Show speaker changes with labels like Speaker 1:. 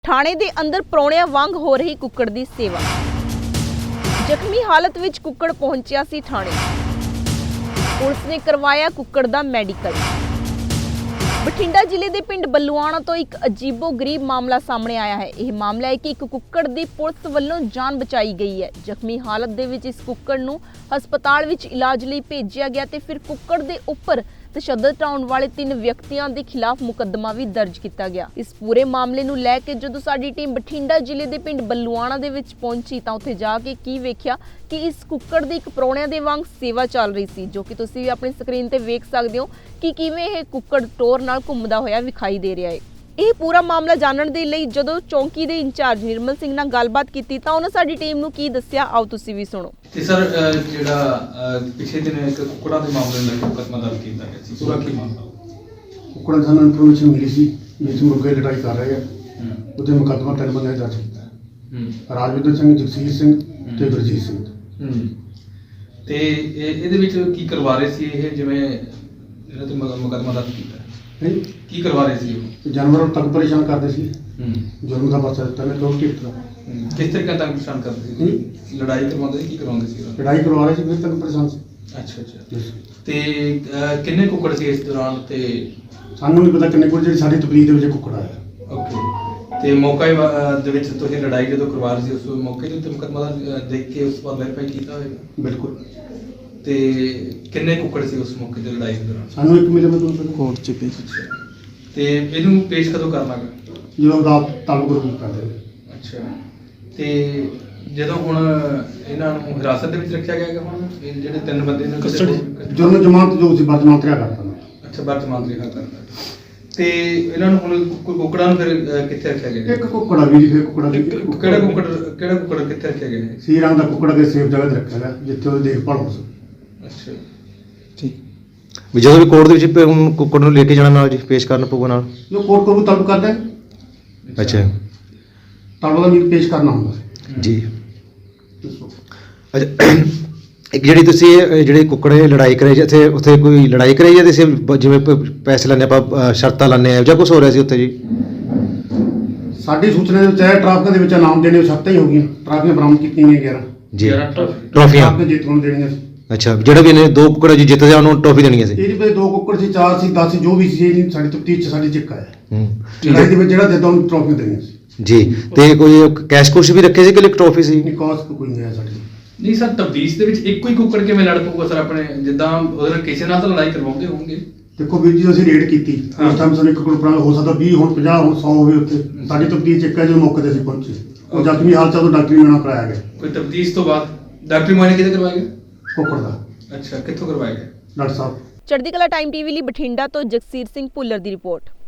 Speaker 1: ਥਾਣੇ ਦੇ ਅੰਦਰ ਪ੍ਰੌਣਿਆਂ ਵਾਂਗ ਹੋ ਰਹੀ ਕੁੱਕੜ ਦੀ ਸੇਵਾ। ਜ਼ਖਮੀ ਹਾਲਤ ਵਿੱਚ ਕੁੱਕੜ ਪਹੁੰਚਿਆ ਸੀ ਥਾਣੇ। ਪੁਲਿਸ ਨੇ ਕਰਵਾਇਆ ਕੁੱਕੜ ਦਾ ਮੈਡੀਕਲ। ਬਠਿੰਡਾ ਜ਼ਿਲ੍ਹੇ ਦੇ ਪਿੰਡ ਬੱਲੂਆਣਾ ਤੋਂ ਇੱਕ ਅਜੀਬੋ-ਗਰੀਬ ਮਾਮਲਾ ਸਾਹਮਣੇ ਆਇਆ ਹੈ। ਇਹ ਮਾਮਲਾ ਹੈ ਕਿ ਇੱਕ ਕੁੱਕੜ ਦੀ ਪੁਲਿਸ ਵੱਲੋਂ ਜਾਨ ਬਚਾਈ ਗਈ ਹੈ। ਜ਼ਖਮੀ ਹਾਲਤ ਦੇ ਵਿੱਚ ਇਸ ਕੁੱਕੜ ਨੂੰ ਹਸਪਤਾਲ ਵਿੱਚ ਇਲਾਜ ਲਈ ਭੇਜਿਆ ਗਿਆ ਤੇ ਫਿਰ ਕੁੱਕੜ ਦੇ ਉੱਪਰ ਤਸ਼ੱਦਦ ਢਾਉਣ ਵਾਲੇ 3 ਵਿਅਕਤੀਆਂ ਦੇ ਖਿਲਾਫ ਮੁਕੱਦਮਾ ਵੀ ਦਰਜ ਕੀਤਾ ਗਿਆ। ਇਸ ਪੂਰੇ ਮਾਮਲੇ ਨੂੰ ਲੈ ਕੇ ਜਦੋਂ ਸਾਡੀ ਟੀਮ ਬਠਿੰਡਾ ਜ਼ਿਲ੍ਹੇ ਦੇ ਪਿੰਡ ਬੱਲੂਆਣਾ ਦੇ ਵਿੱਚ ਪਹੁੰਚੀ ਤਾਂ ਉੱਥੇ ਜਾ ਕੇ ਕੀ ਵੇਖਿਆ ਕਿ ਇਸ ਕੁੱਕੜ ਦੀ ਇੱਕ ਪ੍ਰੌਣਿਆਂ ਦੇ ਵਾਂਗ ਸੇਵਾ ਚੱਲ ਰਹੀ ਸੀ, ਜੋ ਕਿ ਤੁਸੀਂ ਵੀ ਆਪਣੀ ਸਕਰੀਨ ਤੇ ਵੇਖ ਸਕਦੇ ਹੋ ਕਿ ਕਿਵੇਂ ਇਹ ਕੁੱਕੜ ਟੋਰ ਨਾਲ ਘੁੰਮਦਾ ਹੋਇਆ ਵਿਖਾਈ ਦੇ ਰਿਹਾ ਹੈ। ਇਹ ਪੂਰਾ ਮਾਮਲਾ ਜਾਣਨ ਦੇ ਲਈ ਜਦੋਂ ਚੌਂਕੀ ਦੇ ਇੰਚਾਰਜ ਨਿਰਮਲ ਸਿੰਘ ਨਾਲ ਗੱਲਬਾਤ ਕੀਤੀ ਤਾਂ ਉਹਨਾਂ ਸਾਡੀ ਟੀਮ ਨੂੰ ਕੀ ਦੱਸਿਆ, ਆਓ ਤੁਸੀਂ ਵੀ ਸੁਣੋ।
Speaker 2: ਤੇ ਸਰ ਜਿਹੜਾ ਪਿਛਲੇ ਦਿਨ ਇੱਕ ਕੁੱਕੜਾਂ ਦੇ ਮਾਮਲੇ ਨਾਲ ਮੁਕੱਦਮਾ ਦਰਜ ਕੀਤਾ ਗਿਆ ਸੀ, ਪੂਰਾ ਕੀ ਮਾਮਲਾ?
Speaker 3: ਕੁੱਕੜਾਂ ਸਾਨੂੰ ਇਨਫੋਰਮੇਸ਼ਨ ਮਿਲੀ ਸੀ ਜਿਸ ਮੁਰਗੇ ਲੜਾਈ ਕਰ ਰਹੇ ਆ, ਉਹਦੇ ਮੁਕੱਦਮਾ 3 ਬੰਦੇ ਦਰਜ ਕੀਤਾ। ਰਾਜਵਿੰਦਰ ਸਿੰਘ, ਜਗਸੀਰ ਸਿੰਘ ਤੇ ਗੁਰਜੀਤ ਸਿੰਘ।
Speaker 2: ਤੇ ਇਹਦੇ ਵਿੱਚ ਕੀ ਕਰਵਾ ਰਹੇ ਸੀ ਇਹ, ਜਿਵੇਂ ਜਿਹੜਾ ਤੇ ਮੁਕੱਦਮਾ ਦਰਜ ਕੀਤਾ ਕੀ ਕਰਵਾ ਰਹੇ ਸੀ ਉਹ?
Speaker 3: ਜਾਨਵਰਾਂ ਨੂੰ ਤੱਕ ਪਰੇਸ਼ਾਨ ਕਰਦੇ ਸੀ। ਜ਼ੁਲਮ ਦਾ ਪਰਚਾ ਦਿੱਤਾ ਨੇ ਲੋਕ ਢਿੱਟ ਦਾ।
Speaker 2: ਕਿਸ ਤਰੀਕੇ ਤੱਕ ਪਰੇਸ਼ਾਨ ਕਰਦੇ ਸੀ? ਲੜਾਈ ਕਰਵਾਉਂਦੇ ਸੀ, ਕੀ ਕਰਵਾਉਂਦੇ ਸੀ?
Speaker 3: ਲੜਾਈ ਕਰਵਾ ਰਹੇ ਸੀ, ਫਿਰ ਤੱਕ ਪਰੇਸ਼ਾਨ ਸੀ।
Speaker 2: ਅੱਛਾ। ਤੇ ਕਿੰਨੇ ਕੁੱਕੜ ਸੀ ਇਸ ਦੌਰਾਨ? ਤੇ
Speaker 3: ਸਾਨੂੰ ਨਹੀਂ ਪਤਾ ਕਿੰਨੇ ਕੁ, ਜਿਹੜੀ ਸਾਡੀ ਤਬਲੀਗ ਦੇ ਵਿੱਚ ਕੁੱਕੜ ਆਇਆ।
Speaker 2: ਓਕੇ। ਤੇ ਮੌਕੇ ਦੇ ਵਿੱਚ ਤੁਸੀਂ ਲੜਾਈ ਜਦੋਂ ਕਰਵਾ ਰਹੇ ਸੀ ਉਸ ਮੌਕੇ ਦੇ ਉੱਤੇ ਮੁਕੱਦਮਾ ਦੇਖ ਕੇ ਉਸ ਤੋਂ ਬਾਅਦ ਵੈਰੀਫਾਈ ਕੀਤਾ ਹੋਵੇਗਾ?
Speaker 3: ਬਿਲਕੁਲ।
Speaker 2: ਤੇ ਕਿੰਨੇ ਕੁੱਕੜ ਸੀ ਉਸ ਮੌਕੇ ਤੇ ਲੜਾਈ ਦੇ ਦੌਰਾਨ?
Speaker 3: ਸਾਨੂੰ ਇੱਕ ਮਿਲੇ ਮਤਲਬ ਕੋਰਟ ਚ ਪੇਸ਼।
Speaker 2: ਤੇ ਇਹਨੂੰ ਪੇਸ਼ ਕਦੋਂ ਕਰਨਾ ਗਾ?
Speaker 3: ਜਦੋਂ ਰਾਤ ਤਾਲੁਕ ਰੂਪ ਕਰਦੇ ਨੇ।
Speaker 2: ਅੱਛਾ। ਤੇ ਜਦੋਂ ਹੁਣ ਇਹਨਾਂ ਨੂੰ ਹਿਰਾਸਤ ਦੇ ਵਿੱਚ ਰੱਖਿਆ ਗਿਆ ਹੈਗਾ, ਹੁਣ ਇਹ ਜਿਹੜੇ 3 ਬੰਦੇ ਨੇ
Speaker 3: ਜੁਰਮ ਜ਼ਮਾਨਤ ਜੋ ਸੀ ਬਰਜ਼ਮਾਨ ਰਿਹਾ ਕਰਤਾ।
Speaker 2: ਅੱਛਾ, ਬਰਜ਼ਮਾਨ ਰਿਹਾ ਕਰਤਾ। ਤੇ ਇਹਨਾਂ ਨੂੰ ਹੁਣ ਕੁੱਕੜਾਂ ਨੂੰ ਫਿਰ ਕਿੱਥੇ ਰੱਖਿਆ ਗਿਆ?
Speaker 3: ਇੱਕ ਕੁੱਕੜਾ ਵੀ ਫਿਰ ਕੁੱਕੜਾ
Speaker 2: ਕਿਹੜਾ ਕੁੱਕੜ ਕਿੱਥੇ ਰੱਖਿਆ ਗਿਆ ਹੈ?
Speaker 3: ਸੀ ਰੰਗ ਦਾ ਕੁੱਕੜਾ ਕੇ ਸੇਫ ਜਗ੍ਹਾ ਤੇ ਰੱਖਿਆ ਗਿਆ ਜਿੱਥੇ ਉਹਦੀ ਦੇਖਭਾਲ ਹੋ ਸਕੇ।
Speaker 2: ਅੱਛਾ
Speaker 4: ਠੀਕ। ਵੀ ਜਦੋਂ ਵੀ ਕੋਰਟ ਦੇ ਵਿੱਚ ਹੁਣ ਕੁੱਕੜ ਨੂੰ ਲੈ ਕੇ ਜਾਣਾ ਨਾਲ ਜੀ ਪੇਸ਼ ਕਰਨ ਪਊਗਾ ਨਾਲ
Speaker 3: ਜੋ ਕੋਰਟ ਕੋਲ ਤਲਬ ਕਰਦਾ।
Speaker 4: ਅੱਛਾ।
Speaker 3: ਤਲਬ ਦਾ ਵੀ ਪੇਸ਼ ਕਰਨਾ ਹੁੰਦਾ
Speaker 4: ਜੀ। ਅੱਛਾ, ਇੱਕ ਜਿਹੜੀ ਤੁਸੀਂ ਜਿਹੜੇ ਕੁੱਕੜੇ ਲੜਾਈ ਕਰਾਈ ਜਿੱਥੇ ਉੱਥੇ ਕੋਈ ਲੜਾਈ ਕਰਾਈ ਜਾਂ ਤੁਸੀਂ ਜਿਵੇਂ ਪੈਸੇ ਲੈਣੇ ਆਪਾਂ ਸ਼ਰਤਾਂ ਲੈਣੇ ਆ ਜਾਂ ਕੁਝ ਹੋ ਰਿਹਾ ਸੀ ਉੱਥੇ ਜੀ?
Speaker 3: ਸਾਡੀ ਸੂਚਨਾ ਦੇ ਵਿੱਚ ਹੈ ਟਰਾਫੀਆਂ ਦੇ ਵਿੱਚ ਇਨਾਮ ਦੇਣੇ ਸ਼ਰਤਾਂ ਹੀ ਹੋ ਗਈਆਂ। ਟਰਾਫੀਆਂ ਬਰਾਮਦ ਕੀਤੀਆਂ ਗਈਆਂ 11
Speaker 4: ਜੀ
Speaker 3: ਟਰਾਫੀਆਂ ਜਿੱਤ ਨੂੰ ਦੇਣੀਆਂ ਸੀ।
Speaker 4: ਅੱਛਾ, ਜਿਹੜਾ ਵੀ ਇਹਨੇ 2 ਕੁੱਕੜ ਜੀ ਜਿੱਤ ਜਾ ਉਹਨੂੰ ਟਰੋਫੀ ਦੇਣੀ ਸੀ।
Speaker 3: ਇਹਦੇ ਵਿੱਚ 2 ਕੁੱਕੜ ਸੀ, 4 ਸੀ, 10 ਸੀ, ਜੋ ਵੀ ਸੀ। ਇਹ ਸਾਡੀ ਤਫਤੀਸ਼ ਚ ਸਾਡੀ ਚਿੱਕਾ ਹੈ।
Speaker 4: ਲੜਾਈ
Speaker 3: ਦੇ ਵਿੱਚ ਜਿਹੜਾ ਜਿੱਦਾਂ ਉਹਨੂੰ ਟਰਾਫੀਆਂ ਦੇਣੀਆਂ ਸੀ
Speaker 4: ਜੀ। ਤੇ ਕੋਈ ਕੈਸ਼ ਕੁਸ਼ ਵੀ ਰੱਖੇ ਸੀ ਕਿ ਟਰੋਫੀ ਸੀ?
Speaker 3: ਨਹੀਂ, ਕਾਸਟ ਕੋਈ ਨਹੀਂ ਹੈ ਸਾਡੀ।
Speaker 2: ਨਹੀਂ ਸਰ, ਤਬਦੀਸ਼ ਦੇ ਵਿੱਚ ਇੱਕੋ ਹੀ ਕੁੱਕੜ ਕਿਵੇਂ ਲੜ ਪਊਗਾ ਸਰ? ਆਪਣੇ ਜਿੱਦਾਂ ਉਹਦੇ ਨਾਲ ਕਿਸੇ ਨਾਲ ਤਾਂ ਲੜਾਈ ਕਰਵਾਉਂਦੇ ਹੋਣਗੇ।
Speaker 3: ਦੇਖੋ ਵੀਰ ਜੀ, ਅਸੀਂ ਰੇਡ ਕੀਤੀ ਉਸ ਟਾਈਮ ਸਾਨੂੰ 1 ਕੁੱਕੜ ਹੋ ਸਕਦਾ 20 ਹੁਣ 50 ਹੁਣ 100 ਹੋਵੇ। ਉੱਥੇ ਸਾਡੀ ਤਬਦੀਸ਼ ਚਿੱਕਾ ਜਦੋਂ ਮੌਕੇ ਤੇ ਅਸੀਂ ਪਹੁੰਚੇ, ਉਹ ਜ਼ਖਮੀ ਹਾਲਤ ਤੋਂ ਡਾਕਟਰੀ ਮੁਆਇਨਾ ਕਰਾਇਆ ਗਿਆ।
Speaker 2: ਕੋਈ ਤਬਦੀਸ਼ ਤੋਂ ਬਾਅਦ ਡਾਕਟਰੀ ਮੁਆਇਨਾ ਕਿਹਦੇ ਕਰਵਾਇਆ ਗਿਆ?
Speaker 3: ਕੁੱਕੜ ਦਾ।
Speaker 2: ਅੱਛਾ, ਕਿੱਥੋਂ ਕਰਵਾਇਆ ਗਿਆ?
Speaker 3: ਡਾਕਟਰ ਸਾਹਿਬ।
Speaker 1: ਚੜ੍ਹਦੀ ਕਲਾ ਟਾਈਮ ਟੀਵੀ ਲਈ ਬਠਿੰਡਾ ਤੋਂ ਜਗਸੀਰ ਸਿੰਘ ਭੁੱਲਰ ਦੀ ਰਿਪੋਰਟ।